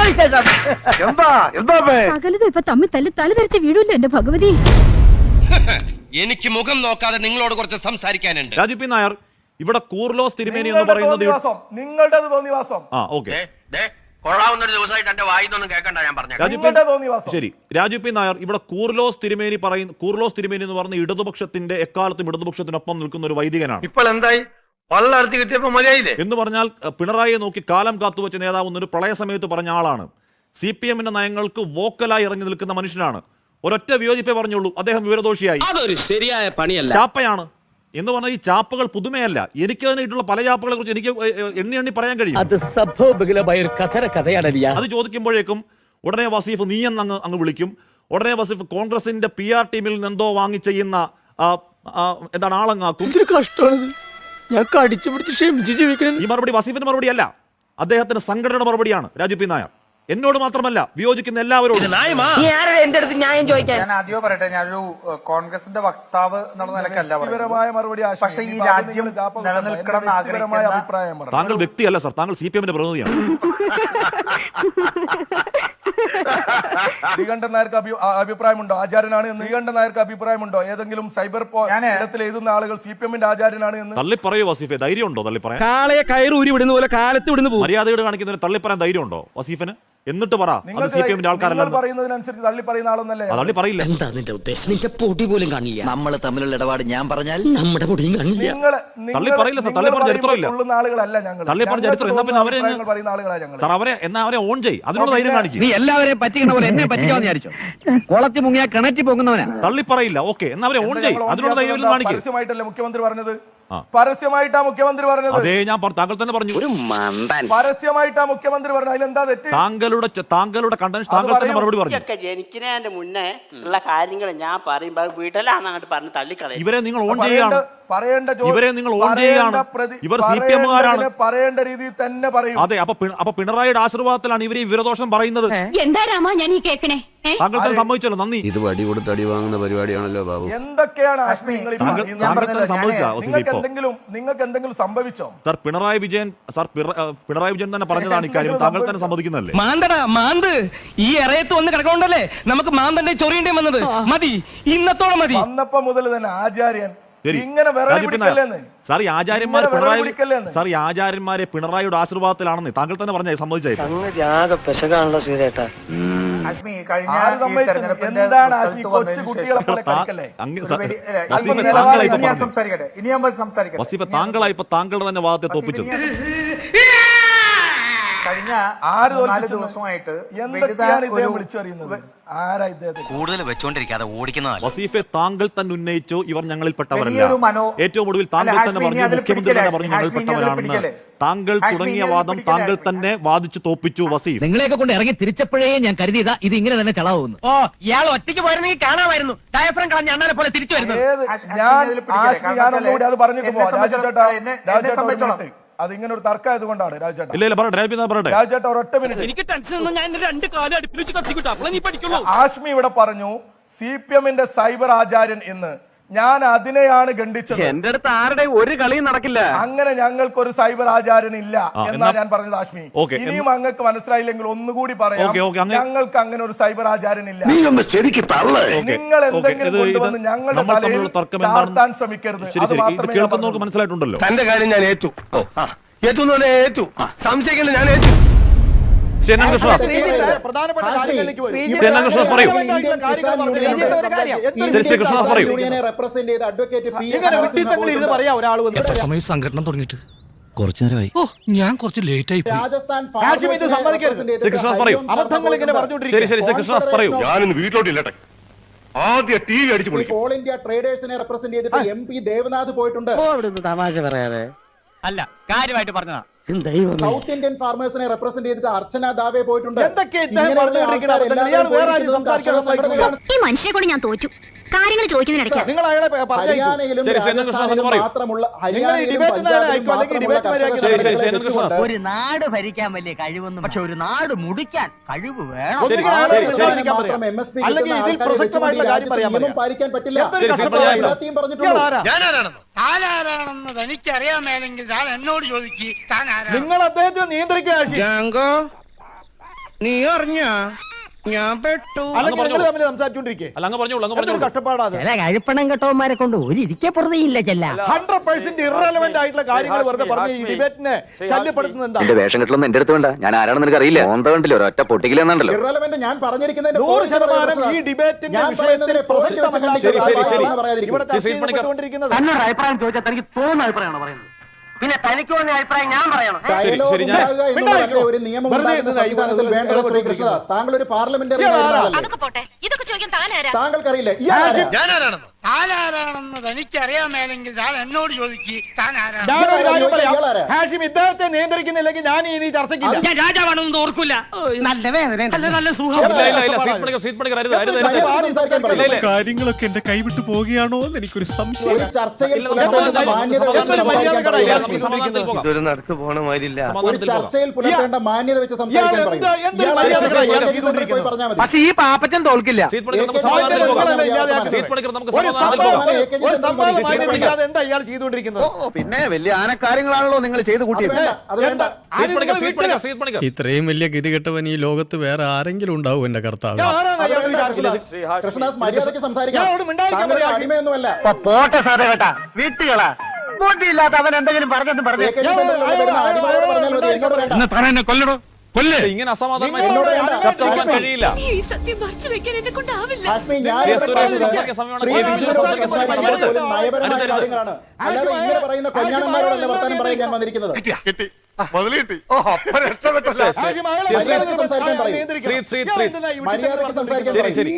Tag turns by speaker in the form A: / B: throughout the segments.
A: സകലതും ഇപ്പൊ തമ്മിൽ തല ധരിച്ച വീടില്ല എന്റെ ഭഗവതി.
B: എനിക്ക് മുഖം നോക്കാതെ നിങ്ങളോട് കുറച്ച് സംസാരിക്കാനുണ്ട്.
C: രാജു പി നായർ, ഇവിടെ കൂർലോസ് തിരുമേനി എന്ന് പറയുന്നത്
D: നിങ്ങളുടെ തോന്നിവാസം.
B: കൊള്ളാവുന്നൊരു ദിവസമായിട്ട് എന്റെ വായിന്നൊന്നും കേൾക്കണ്ട ഞാൻ പറഞ്ഞു.
C: ശരി, രാജു പി നായർ, ഇവിടെ കൂർലോസ് തിരുമേനി എന്ന് പറഞ്ഞ ഇടതുപക്ഷത്തിന്റെ എക്കാലത്തും ഇടതുപക്ഷത്തിനൊപ്പം നിൽക്കുന്ന ഒരു വൈദികനാണ്.
B: ഇപ്പോൾ എന്തായി വള്ളർത്തി കിട്ടിയപ്പോ മതിയായില്ലേ
C: എന്ന് പറഞ്ഞാൽ പിണറായിയെ നോക്കി കാലം കാത്തുവെച്ച നേതാവ് എന്നൊരു പ്രളയ സമയത്ത് പറഞ്ഞ ആളാണ്. CPM-ന്റെ നയങ്ങൾക്ക് വോക്കലായി ഇറങ്ങി നിൽക്കുന്ന മനുഷ്യനാണ്. ഒരൊറ്റ വിയോജിപ്പേ പറഞ്ഞുള്ളൂ, അദ്ദേഹം വിവരദോഷിയായി.
E: അതൊരു ശരിയായ പണിയല്ല.
C: ചാപ്പയാണ് എന്ന് പറഞ്ഞാൽ ഈ ചാപ്പകൾ പുതുമയല്ല. എനിക്ക് തന്നെയിട്ടുള്ള പല ചാപ്പകളെ കുറിച്ച് എനിക്ക് എണ്ണി പറയാൻ കഴിയും. അത് ചോദിക്കുമ്പോഴേക്കും ഉടനെ വസീഫ് നീ അങ്ങ് വിളിക്കും. ഉടനെ വസീഫ് കോൺഗ്രസിന്റെ PR ടീമിൽ നിന്ന് എന്തോ വാങ്ങി ചെയ്യുന്ന എന്താണ് ആളങ്ങാക്കും.
F: ഞാൻ കടിച്ചു പിടിച്ച് ക്ഷമിച്ച് ജീവിക്കണം.
C: ഈ മറുപടി വസീഫിന്റെ മറുപടി അല്ല, അദ്ദേഹത്തിന്റെ സംഘടനയുടെ മറുപടിയാണ്. രാജു പി നായർ എന്നോട് മാത്രമല്ല, വിയോജിക്കുന്ന എല്ലാവരോടും.
D: ഞാൻ ആദ്യം പറയട്ടെ, ഞാനൊരു കോൺഗ്രസിന്റെ വക്താവ് എന്നുള്ള നിലക്കല്ല മറുപടി. പക്ഷേ ഈ രാജ്യം നിലനിൽക്കണം എന്ന് ആഗ്രഹിക്കുന്ന
C: താങ്കൾ വ്യക്തിയല്ല സർ, താങ്കൾ CPM-ന്റെ പ്രതിനിധിയാണ്.
D: ശ്രീകണ്ഠൻ നായർക്ക് അഭിപ്രായമുണ്ടോ? ആചാര്യനാണ് എന്ന് ശ്രീകണ്ഠൻ നായർക്ക് അഭിപ്രായമുണ്ടോ? ഏതെങ്കിലും സൈബർ ഇടത്തിൽ എഴുതുന്ന ആളുകൾ CPM-ന്റെ ആചാര്യനാണ് എന്ന്
C: തള്ളി പറയൂ വസീഫെ? ധൈര്യം ഉണ്ടോ തള്ളി പറയാൻ?
F: കാളയെ കയറൂരി വിടുന്ന പോലെ കാലത്ത് വിടുന്നു.
C: മര്യാദയോട് കാണിക്കുന്നതിന് തള്ളി പറയാൻ ധൈര്യം ഉണ്ടോ വസീഫിന്? എന്നിട്ട് പറ, CPM-ന്റെ ആൾക്കാരല്ല
D: പറയുന്നതിനനുസരിച്ച് തള്ളി പറയുന്ന ആളൊന്നല്ലേ?
C: തള്ളി പറയില്ല.
E: എന്താ നിന്റെ ഉദ്ദേശം? നിന്റെ പൊടി പോലും കാണില്ല. നമ്മൾ തമ്മിലുള്ള ഇടപാട് ഞാൻ പറഞ്ഞാൽ നമ്മുടെ പൊടിയും കാണില്ല.
C: തള്ളി പറയില്ല സർ, തള്ളി പറഞ്ഞ ചരിത്രമില്ല. തള്ളി പറഞ്ഞ ചരിത്രം എന്നാ പിന്നെ അവരെ ഓൺ ചെയ്, അതിനോട് ധൈര്യം കാണിക്കും.
E: നീ എല്ലാവരെയും പറ്റിക്കണ പോലെ എന്നെ പറ്റിക്കാന്ന് വിചാരിച്ചോ? കുളത്തി മുങ്ങിയ കിണറ്റി പോകുന്നവനാ.
C: തള്ളി പറയില്ല, ഓക്കെ, എന്നാ അവരെ ഓൺ ചെയ്, അതിനോട് ധൈര്യം കാണിക്കും.
D: പരസ്യമായിട്ടല്ലേ മുഖ്യമന്ത്രി പറഞ്ഞത്? പരസ്യമായിട്ടാ മുഖ്യമന്ത്രി പറഞ്ഞത്.
C: അതേ ഞാൻ താങ്കൾ തന്നെ പറഞ്ഞു.
D: പരസ്യമായിട്ടാ മുഖ്യമന്ത്രി പറഞ്ഞത്. അതിലെന്താ തെറ്റ്?
C: താങ്കളുടെ കണ്ടന്റ് താങ്കൾ തന്നെ മറുപടി പറഞ്ഞു.
G: ജനിക്കുന്നതിന്റെ മുന്നേ ഉള്ള കാര്യങ്ങൾ ഞാൻ പറയുമ്പോൾ വീട്ടിലാണ് അങ്ങോട്ട് പറഞ്ഞ് തള്ളിക്കളയും.
C: ഇവരെ നിങ്ങൾ ഓൺ ചെയ്യുകയാണ്. ഇവരെ നിങ്ങൾ ഓൺ ചെയ്യുകയാണ്. ഇവർ CPM-കാരാണ്.
D: പറയേണ്ട രീതിയിൽ തന്നെ പറയും.
C: അതെ, അപ്പൊ പിണറായിയുടെ ആശീർവാദത്തിലാണ് ഇവർ ഈ വിവരദോഷം പറയുന്നത്.
A: എന്താ രാമ ഞാൻ ഈ കേക്കണേ?
C: താങ്കൾ തന്നെ സമ്മതിച്ചല്ലോ, നന്ദി.
H: ഇത് വടി കൊടുത്ത് അടി വാങ്ങുന്ന പരിപാടിയാണല്ലോ ബാബു.
D: എന്തൊക്കെയാണ്
C: നിങ്ങൾക്ക്
D: എന്തെങ്കിലും സംഭവിച്ചോ?
C: സർ പിണറായി വിജയൻ തന്നെ പറഞ്ഞതാണ് ഇക്കാര്യം. താങ്കൾ തന്നെ സമ്മതിക്കുന്നല്ലേ?
E: മാന്ത് ഈ ഇറയത്ത് വന്ന് കിടക്കണ്ടല്ലേ നമുക്ക് മാന്തന്റെ ചൊറിയേണ്ടി വന്നത്. മതി, ഇന്നത്തോളം മതി.
D: വന്നപ്പോ മുതൽ തന്നെ ആചാര്യൻ
C: സാർ ഈ ആചാര്യന്മാരെ പിണറായിയുടെ ആശീർവാദത്തിലാണെന്ന് താങ്കൾ തന്നെ പറഞ്ഞ സമ്മതിച്ചായിരുന്നു. താങ്കളായി ഇപ്പൊ താങ്കളുടെ തന്നെ വാദത്തെ തോപ്പിച്ചത്.
D: കഴിഞ്ഞ 4 ദിവസമായിട്ട് എന്തൊക്കെയാണ് ഇദ്ദേഹം വിളിച്ചറിയുന്നത്? ആരാ ഇദ്ദേഹത്തെ
B: കൂടുതൽ വെച്ചോണ്ടിരിക്കാതെ ഓടിക്കുന്നതാണ്.
C: വസീഫെ താങ്കൾ തന്നെ ഉന്നയിച്ചു ഇവർ ഞങ്ങളിൽപ്പെട്ടവരല്ല. ഏറ്റവും ഒടുവിൽ താങ്കൾ തന്നെ പറഞ്ഞു, മുഖ്യമന്ത്രി തന്നെ പറഞ്ഞു ഞങ്ങളിൽപ്പെട്ടവരാണെന്ന്. താങ്കൾ തുടങ്ങിയ വാദം താങ്കൾ തന്നെ വാദിച്ചു തോപ്പിച്ചു വസീഫ്.
E: നിങ്ങളെയൊക്കെ കൊണ്ട് ഇറങ്ങി തിരിച്ചപ്പോഴേ ഞാൻ കരുതിയതാ ഇത് ഇങ്ങനെ തന്നെ ചളാവുന്നു. ഓ ഇയാൾ ഒറ്റയ്ക്ക് പോയിരുന്നെങ്കിൽ കാണാമായിരുന്നു. ഡയഫ്രം കളഞ്ഞ അണ്ണാനെ പോലെ തിരിച്ചു വരുന്നത്.
D: ഞാനൊന്നുകൂടി അത് പറഞ്ഞിട്ട് പോവാം. രാജുചേട്ടാ അതിങ്ങനെ ഒരു തർക്കമായത് കൊണ്ടാണ്. രാജുചേട്ടാ ഒരൊറ്റ മിനിറ്റ്. ആഷ്മി ഇവിടെ പറഞ്ഞു CPM-ന്റെ സൈബർ ആചാര്യൻ എന്ന്. ഞാൻ അതിനെയാണ് ഖണ്ഡിച്ചത്.
E: എന്റെ അടുത്ത് ആരുടെ ഒരു കളിയും നടക്കില്ല.
D: അങ്ങനെ ഞങ്ങൾക്കൊരു സൈബർ ആചാര്യൻ ഇല്ല എന്നാ ഞാൻ പറഞ്ഞത്. ആഷ്മി, ഇനിയും അങ്ങക്ക് മനസ്സിലായില്ലെങ്കിൽ ഒന്നുകൂടി പറയാം. ഞങ്ങൾക്ക് അങ്ങനെ ഒരു സൈബർ ആചാര്യൻ ഇല്ല. നിങ്ങൾ എന്തെങ്കിലും കൊണ്ടുവന്ന് ഞങ്ങളുടെ തലയിൽ ചാർത്താൻ ശ്രമിക്കരുത്. അത് മാത്രമേ
C: മനസ്സിലായിട്ടുണ്ടല്ലോ.
B: തന്റെ കാര്യം ഞാൻ ഏറ്റു. ഏറ്റു സംശയിക്കണ്ട, ഞാൻ ഏറ്റു.
F: സംഘടന തുടങ്ങിയിട്ട് കുറച്ചു നേരമായി. ഞാൻ കുറച്ച് ലേറ്റ് ആയി.
B: ഞാനിന്ന് വീട്ടിലോട്ടില്ല. ആദ്യം TV അടിച്ചു പോയി.
I: ഓൾ ഇന്ത്യ ട്രേഡേഴ്സിനെ റെപ്രസെന്റ് ചെയ്തിട്ട് MP ദേവനാഥ് പോയിട്ടുണ്ട്.
E: തമാശ പറയാതെ അല്ല, കാര്യമായിട്ട് പറഞ്ഞതാ.
I: സൗത്ത് ഇന്ത്യൻ ഫാർമേഴ്സിനെ റെപ്രസെന്റ് ചെയ്തിട്ട് അർച്ചന ദാവെ പോയിട്ടുണ്ട്.
A: ഈ മനുഷ്യനെ കൊണ്ട് ഞാൻ തോറ്റു. കാര്യങ്ങൾ ചോദിക്കുന്നതിനിടയ്ക്ക്
E: ഒരു നാട് ഭരിക്കാൻ വലിയ കഴിവൊന്നും, പക്ഷെ ഒരു നാട് മുടിക്കാൻ കഴിവ് വേണം.
I: പാലിക്കാൻ പറ്റില്ല.
D: എനിക്കറിയാമേലെങ്കിൽ താൻ എന്നോട് ചോദിക്കും. നിങ്ങൾ അദ്ദേഹത്തെ നിയന്ത്രിക്കുക.
E: നീ അറിഞ്ഞ ഞാൻ പെട്ടു
C: അല്ലെങ്കിൽ
D: നിങ്ങൾ തമ്മിൽ സംസാരിച്ചോണ്ടിരിക്കേ
C: അല്ല അങ്ങ് പറഞ്ഞോളൂ, അങ്ങ് പറഞ്ഞോളൂ.
D: കഷ്ടപ്പാടാത്.
E: ചില കഴിപ്പണം കെട്ടവന്മാരെ കൊണ്ട് ഒരു ഇരിക്കെ പുറതെയില്ല ചെല്ല
D: 100% ഇറലവന്റ് ആയിട്ടുള്ള കാര്യങ്ങൾ വെറുതെ പറഞ്ഞ് ഈ ഡിബേറ്റിനെ ശല്യപ്പെടുത്തുന്നത് എന്താ?
B: എന്റെ വേഷം കെട്ടലൊന്നും എന്റെ അടുത്ത് വേണ്ട. ഞാൻ ആരാണെന്ന് നിനക്ക് അറിയില്ല. കണ്ടില്ല, ഒരൊറ്റ പൊട്ടിക്കില്ലെന്നുണ്ടല്ലോ.
I: ഇറലവന്റ് ഞാൻ പറഞ്ഞിരിക്കുന്നതിന്റെ
D: 100% ഈ ഡിബേറ്റിന്റെ വിഷയത്തിൽ പ്രസക്തമല്ല ഇവിടുത്തെ
C: ശ്രീ പണിക്കർ.
D: ചർച്ചകൊണ്ടിരിക്കുന്നത്.
E: എന്നൊരു അഭിപ്രായം ചോദിച്ചാൽ തനിക്ക് തോന്നുന്ന അഭിപ്രായമാണ് പറയുന്നത്. പിന്നെ തനിക്ക് തോന്നിയ അഭിപ്രായം ഞാൻ പറയണം.
C: ശരി, ഞാൻ-
I: ഒരു നിയമം ഉണ്ടാക്കുന്ന സംവിധാനത്തിൽ വേണ്ടത് ശ്രീ കൃഷ്ണദാസ്. താങ്കൾ ഒരു പാർലമെന്ററി
A: അതൊക്കെ പോട്ടെ, ഇതൊക്കെ ചോദിക്കാൻ താനാരാ?
I: താങ്കൾക്കറിയില്ലേ
B: ഞാനാരാണെന്നോ?
E: താനാരാണെന്ന് തനിക്കറിയാമേലെങ്കിൽ താൻ എന്നോട് ചോദിക്കും.
D: ഞാനൊരു കാര്യം പറയാം. ഹാഷിം ഇദ്ദേഹത്തെ നിയന്ത്രിക്കുന്നില്ലെങ്കിൽ ഞാൻ ഇനി ചർച്ചയ്ക്കില്ല.
E: ഞാൻ രാജാവാണെന്ന് ഓർക്കൂല. നല്ല വേദന, നല്ല സുഖം.
C: ഇല്ല, ഇല്ല, ഇല്ല. ശ്രീ പണിക്കർ, അരുത്, അരുത്, അരുത്. ഇല്ല, ഇല്ല.
F: കാര്യങ്ങളൊക്കെ എന്റെ കൈവിട്ട് പോവുകയാണോ എന്ന് എനിക്കൊരു സംശയം.
I: ഒരു ചർച്ചയിൽ
C: ഇല്ല,
I: പുലർത്തേണ്ട മാന്യത വെച്ച് സംസാരിക്കാൻ പറയുക.
C: നമുക്ക് സമാധാനത്തിൽ പോകാം.
B: ഇതൊരു നടക്ക് പോണ മാതിരില്ല.
I: ഒരു
C: സമാധാനത്തിൽ പോകാം.
I: ചർച്ചയിൽ പുലർത്തേണ്ട മാന്യത വെച്ച് സംസാരിക്കാൻ
D: ഇയാൾ
I: പറയുക.
D: എന്ത്
I: ഇയാൾ
D: മര്യാദ
I: AKG
D: ചെയ്തുകൊണ്ടിരിക്കുന്നത്?
I: പോയി പറഞ്ഞാൽ മതി.
E: പക്ഷെ ഈ പാപ്പച്ചൻ തോൽക്കില്ല.
C: ശ്രീ പണിക്കർ, നമുക്ക്
I: AKG
C: സമാധാനത്തിൽ പോകാം.
I: ഇല്ലാതെ
C: ശ്രീ പണിക്കർ, നമുക്ക്
D: ഒരു
C: സമാധാനത്തിൽ പോകാം.
D: ഒരു സംവാദം മാന്യതയില്ലാതെ എന്താ ഇയാൾ ചെയ്തുകൊണ്ടിരിക്കുന്നത്?
B: പിന്നെ വലിയ ആനക്കാര്യങ്ങളാണല്ലോ നിങ്ങൾ ചെയ്ത്
I: അത് വേണ്ട, അത് വേണ്ട.
C: ശ്രീ പണിക്കർ, ശ്രീ പണിക്കർ, ശ്രീ പണിക്കർ.
F: ഇത്രയും വലിയ ഗതികെട്ടവൻ ഈ ലോകത്ത് വേറെ ആരെങ്കിലും ഉണ്ടാവും എന്റെ കർത്താവ്.
D: ആരാണ്
I: അത്
D: അയാൾ
I: വേണ്ട,
D: വിചാരിച്ചത്?
I: കൃഷ്ണദാസ് മര്യാദയ്ക്ക് സംസാരിക്കാം.
D: ഞാൻ അവിടെ മിണ്ടാതിരിക്കാൻ
I: താങ്കൾ ഒരു
D: പറയാം.
I: അടിമയൊന്നുമല്ല.
E: പോട്ടെ സാറേ കേട്ടാ, വീട്ടുകളാ ബോട്ടിയില്ലാത്ത അവൻ എന്തെങ്കിലും പറഞ്ഞെന്ന് പറഞ്ഞു.
I: AKG സെന്ററിൽ വരുന്ന അടിമയോട് പറഞ്ഞാൽ മതി, എന്നോട് വേണ്ട.
E: കൊല്ലടോ കൊല്ലേ.
C: ഇങ്ങനെ അസമാധാനമായി
D: നിങ്ങളോട്
C: ചർച്ച ചെയ്യാൻ കഴിയില്ല.
A: ഈ സത്യം മറച്ചു വെക്കാൻ എന്നെ കൊണ്ടാവില്ല.
I: ഹാഷ്മി, ഞാൻ
C: ശ്രീ
I: ഇവിടെ
C: സുരേഷ്
I: പറഞ്ഞത്
C: സംസാരിക്കാൻ സമയമാണ്.
I: ശ്രീ
C: കെ പി
I: രാജീവ്
C: സംസാരിക്കാൻ സമയമാണ്.
I: സംസാരിക്കുന്നത്
C: അരുത്.
I: പോലും നയപരമായ
C: അരുത്.
I: കാര്യങ്ങളാണ്. അല്ലാതെ ഇങ്ങനെ പറയുന്ന കൊഞ്ഞാണന്മാരോടല്ല വർത്താനം പറയാൻ ഞാൻ വന്നിരിക്കുന്നത്.
D: ഹാഷിം അയാളെ
I: മര്യാദയ്ക്ക് സംസാരിക്കാൻ പറയൂ.
D: നിയന്ത്രിക്കണം.
C: ശ്രീ, ശ്രീ,
D: ഇയാൾ
C: ശ്രീ.
D: എന്തിനാ ഈ
I: മര്യാദയ്ക്ക് സംസാരിക്കാൻ
C: ശരി,
I: പറയൂ.
C: ശരി.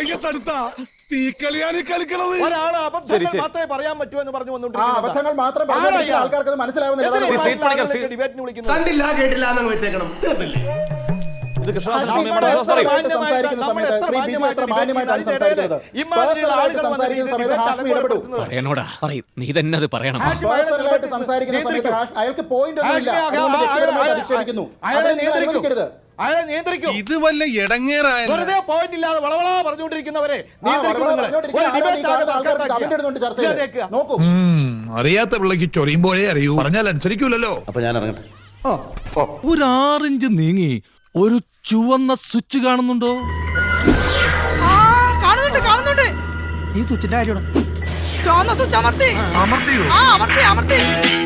D: ഒരാള് അബദ്ധങ്ങൾ
C: ശരി, ശരി.
D: മാത്രമേ പറയാൻ പറ്റൂ എന്ന് പറഞ്ഞു
I: ആ
D: വന്നുകൊണ്ടിരിക്കുന്നത്.
I: അബദ്ധങ്ങൾ മാത്രം പറഞ്ഞിരിക്കുന്ന ആൾക്കാർക്ക് അത് മനസ്സിലാവുന്നില്ല.
C: ശ്രീ,
I: അതാണ്
C: ശ്രീ പണിക്കർ, ശ്രീ.
D: ഡിബേറ്റിന് വിളിക്കുന്നത്.
B: കണ്ടില്ല കേട്ടില്ല എന്നങ്ങ് വെച്ചേക്കണം.
C: ഇത് കൃഷ്ണദാസ്
I: ഹാഷ്മി
C: സമയമാണ്.
I: പേഴ്സണലായിട്ട്
C: പറയൂ.
I: സംസാരിക്കുന്ന സമയത്ത് ശ്രീ ബിജു എത്ര മാന്യമായിട്ടാണ് സംസാരിക്കുന്നത്. പേഴ്സണലായിട്ട് സംസാരിക്കുന്ന സമയത്ത് ഹാഷ്മി ഇടപെടൂ.
F: പറയണോടാ പറയും, നീ തന്നെ അത് പറയണം.
I: പേഴ്സണലായിട്ട് സംസാരിക്കുന്ന സമയത്ത് അയാൾക്ക് പോയിന്റ് ഒന്നുമില്ല. അതുകൊണ്ട് വ്യക്തിപരമായിട്ട് അധിക്ഷേപിക്കുന്നു. അതിനെ നിങ്ങൾ അനുവദിക്കരുത്.
D: അയാളെ നിയന്ത്രിക്കും.
F: ഇത് വല്ല ഇടങ്ങേറായ
D: വെറുതെ പോയിന്റ് ഇല്ലാതെ വളവള പറഞ്ഞുകൊണ്ടിരിക്കുന്നവരെ നിയന്ത്രിക്കും നിങ്ങൾ. ഒരു
I: പറഞ്ഞുകൊണ്ടിരിക്കുന്ന
D: ഡിബേറ്റ് ആകെ
I: ആൾക്കാർക്ക് കമന്റ് ഇടുന്നുണ്ട് ചർച്ചയിൽ.
D: തർക്കാക്കിയ.
I: നോക്കൂ,
F: അറിയാത്ത പിള്ളക്ക് ചൊറിയുമ്പോഴേ അറിയൂ, പറഞ്ഞാൽ അനുസരിക്കൂലല്ലോ.
H: അപ്പൊ ഞാൻ ഇറങ്ങട്ടെ.
F: ഒരു 6 ഇഞ്ച് നീങ്ങി ഒരു ചുവന്ന സ്വിച്ച് കാണുന്നുണ്ടോ?
E: കാണുന്നുണ്ട് കാണുന്നുണ്ട്. ഈ സ്വിച്ചിന്റെ കാര്യമാണ്. ചുവന്ന സ്വിച്ച് അമർത്തി.
F: അമർത്തിയോ?
E: അമർത്തി അമർത്തി.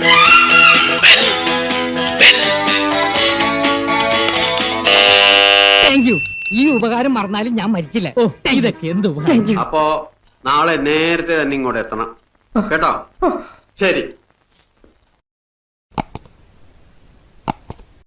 E: Thank you. ഈ ഉപകാരം മറന്നാലും ഞാൻ മരിക്കില്ല. ഇതൊക്കെ എന്ത്
B: അപ്പോ നാളെ നേരത്തെ തന്നെ ഇങ്ങോട്ട് എത്തണം കേട്ടോ. ശരി.